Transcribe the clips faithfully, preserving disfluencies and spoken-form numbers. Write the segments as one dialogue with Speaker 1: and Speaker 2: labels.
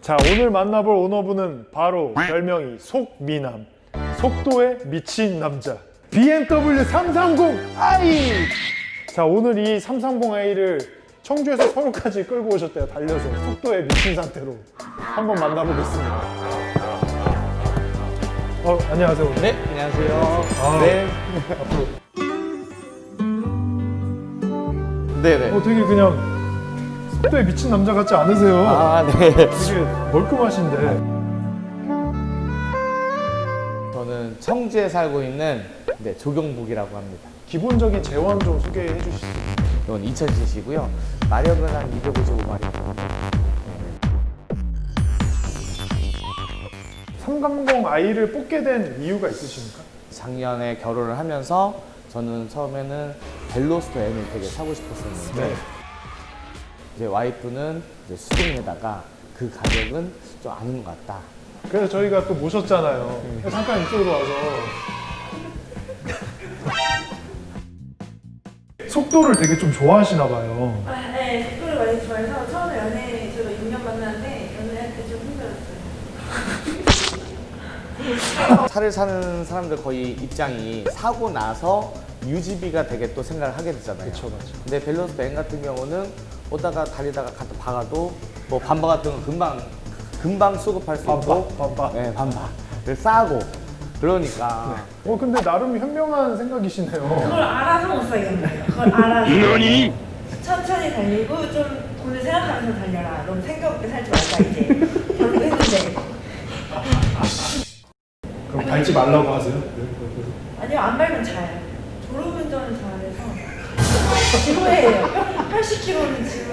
Speaker 1: 자, 오늘 만나볼 오너분은 바로 별명이 속미남, 속도에 미친 남자, 비엠더블유 삼백삼십 아이. 자, 오늘 이 삼백삼십 아이를 청주에서 서울까지 끌고 오셨대요. 달려서 속도에 미친 상태로 한번 만나보겠습니다. 어, 안녕하세요.
Speaker 2: 네, 안녕하세요.
Speaker 1: 아,
Speaker 2: 네.
Speaker 1: 앞으로.
Speaker 2: 네네.
Speaker 1: 어, 되게 그냥 속도에 미친 남자 같지 않으세요?
Speaker 2: 아, 네.
Speaker 1: 되게 멀끔하신데.
Speaker 2: 저는 청주에 살고 있는 네, 조경북이라고 합니다.
Speaker 1: 기본적인 재원 좀 소개해 주실 수 있어요?
Speaker 2: 이건 이천 씨씨고요. 마력은 한 이백오십오 마력.
Speaker 1: 삼백삼십 아이를 뽑게 된 이유가 있으십니까?
Speaker 2: 작년에 결혼을 하면서 저는 처음에는 벨로스터 M을 되게 사고 싶었었는데
Speaker 1: 네.
Speaker 2: 이제 와이프는 이제 수동에다가 그 가격은 좀 아닌 것 같다.
Speaker 1: 그래서 저희가 또 모셨잖아요. 잠깐 이쪽으로 와서. 속도를 되게 좀 좋아하시나 봐요.
Speaker 3: 아, 네, 속도를 많이 좋아해서 처음에 연애 저도 육 년 만났는데 연애할 때 좀 힘들었어요.
Speaker 2: 차를 사는 사람들 거의 입장이 사고 나서 유지비가 되게 또 생각을 하게 되잖아요.
Speaker 1: 그쵸, 맞죠.
Speaker 2: 근데 밸런스 M 같은 경우는 오다가 달리다가 갖다 박아도 뭐 반바 같은 건 금방 금방 수급할 수
Speaker 1: 반바,
Speaker 2: 있고
Speaker 1: 반바.
Speaker 2: 네, 반바. 싸고 그러니까
Speaker 1: 어, 근데 나름 현명한 생각이시네요.
Speaker 3: 그걸 알아서 못 사겠는 거예요. 그걸 알아서. 너니? 천천히 달리고 좀 돈을 생각하면서 달려라. 너무 생각 없게 살지 말자 이제. 결국했는데.
Speaker 1: 그럼 밟지 말라고 하세요?
Speaker 3: 아니요, 안 밟으면 자요. 졸음운전을 잘해서. 지루해요. 팔십 킬로미터는 지금.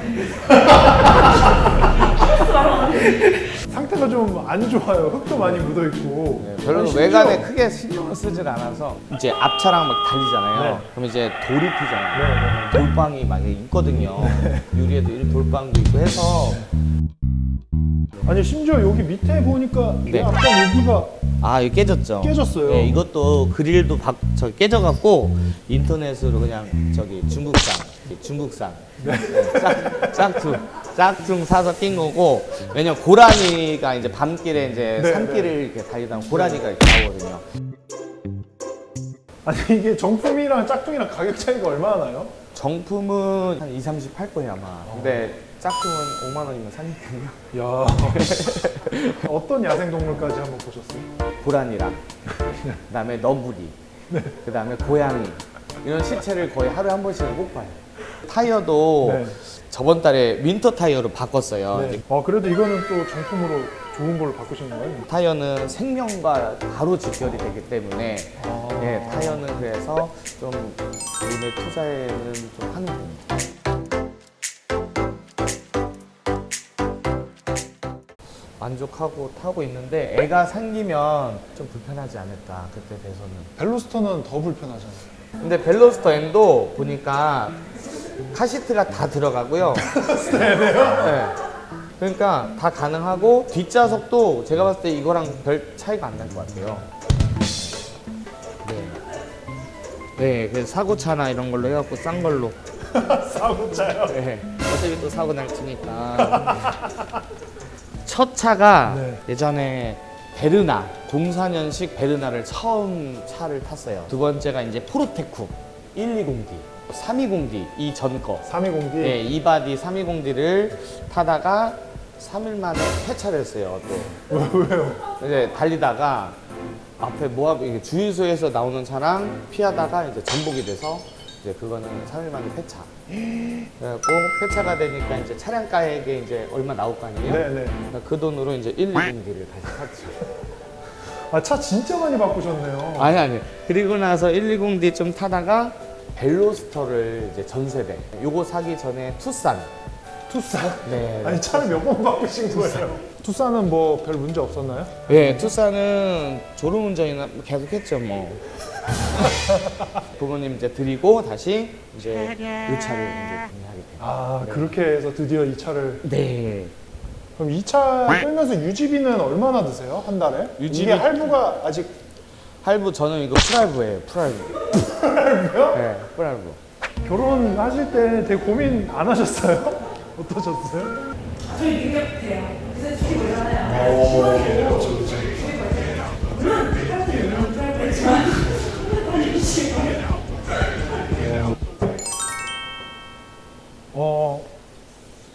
Speaker 3: 스트레스 말하는데.
Speaker 1: 상태가 좀 안 좋아요. 흙도 많이 묻어 있고.
Speaker 2: 네, 별로
Speaker 1: 심지어-
Speaker 2: 외관에 크게 신경을 쓰질 않아서 이제 앞차랑 막 달리잖아요.
Speaker 1: 네.
Speaker 2: 그럼 이제 돌이 튀잖아요.
Speaker 1: 네, 네.
Speaker 2: 돌방이 막 있거든요. 유리에도 이런 돌방도 있고 해서
Speaker 1: 아니, 심지어 여기 밑에 보니까
Speaker 2: 네.
Speaker 1: 약간 여기가
Speaker 2: 아, 이거 깨졌죠?
Speaker 1: 깨졌어요.
Speaker 2: 네, 이것도 그릴도 박, 저 깨져갖고 인터넷으로 그냥 저기 중국산, 중국산 네. 짝, 짝퉁, 짝퉁 사서 낀 거고 왜냐면 고라니가 이제 밤길에 이제
Speaker 1: 네,
Speaker 2: 산길을 이렇게 달리다 보면 고라니가 이렇게 나오거든요.
Speaker 1: 아니, 이게 정품이랑 짝퉁이랑 가격 차이가 얼마나 나요?
Speaker 2: 정품은 한 이삼십 할 거예요 아마. 근데 짝퉁은 오만 원이면 사니까요.
Speaker 1: 야. 어떤 야생동물까지 한번 보셨어요?
Speaker 2: 고라니랑 그다음에 너구리, 그다음에 고양이 이런 시체를 거의 하루에 한 번씩은 꼭 봐요. 타이어도
Speaker 1: 네.
Speaker 2: 저번 달에 윈터 타이어로 바꿨어요.
Speaker 1: 네. 어, 그래도 이거는 또 정품으로 좋은 걸로 바꾸신 거예요?
Speaker 2: 타이어는 생명과 바로 직결이 되기 때문에
Speaker 1: 아.
Speaker 2: 네, 타이어는 그래서 좀 돈을 투자에는 좀 하는 편입니다. 만족하고 타고 있는데 애가 생기면 좀 불편하지 않을까 그때 돼서는.
Speaker 1: 벨로스터는 더 불편하잖아요.
Speaker 2: 근데 벨로스터 M도 보니까 카시트가 다 들어가고요. 네. 그러니까 다 가능하고 뒷좌석도 제가 봤을 때 이거랑 별 차이가 안 날 것 같아요. 네. 네, 그래서 사고차나 이런 걸로 해갖고 싼 걸로.
Speaker 1: 사고차요?
Speaker 2: 네. 어차피 또 사고 날 테니까. 첫 차가
Speaker 1: 네.
Speaker 2: 예전에 베르나, 공사 년식 베르나를 처음 차를 탔어요. 두 번째가 이제 포르테쿠 백이십 디, 삼백이십 디 이 전 거.
Speaker 1: 삼백이십 디?
Speaker 2: 네, 이바디 삼백이십 디를 타다가 삼 일 만에 폐차를 했어요. 또
Speaker 1: 왜요?
Speaker 2: 이제 달리다가 앞에 모압 이게 주유소에서 나오는 차랑 피하다가 이제 전복이 돼서 이제 그거는 삼 일 만에 폐차. 그래갖고 폐차가 되니까 이제 차량가액에 이제 얼마 나올 거 아니에요?
Speaker 1: 네네.
Speaker 2: 그러니까 그 돈으로 이제 백이십 디를 다시 샀죠.
Speaker 1: 아, 차 진짜 많이 바꾸셨네요.
Speaker 2: 아니 아니. 그리고 나서 백이십 디 좀 타다가 벨로스터를 이제 전세대. 요거 사기 전에 투싼.
Speaker 1: 투싼?
Speaker 2: 네.
Speaker 1: 아니, 차를 몇 번 바꾸신 거예요? 투싼은 뭐 별 문제 없었나요?
Speaker 2: 네, 투싼은 졸음운전이나 계속 했죠, 뭐. 부모님 이제 드리고 다시 이제 이 차를 이제 구매하게 돼요.
Speaker 1: 아, 그렇게 해서 드디어 이 차를.
Speaker 2: 네.
Speaker 1: 그럼 이 차 끌면서 유지비는 얼마나 드세요? 한 달에?
Speaker 2: 유지비-
Speaker 1: 이게 할부가 아직.
Speaker 2: 할부 저는 이거 풀할부예요, 풀할부.
Speaker 1: 할부요?
Speaker 2: 네, 풀할부.
Speaker 1: 결혼하실 때 되게 고민 안 하셨어요? 어떠셨어요?
Speaker 3: 저희 능력 돼요. 그래서 솔직히 뭐라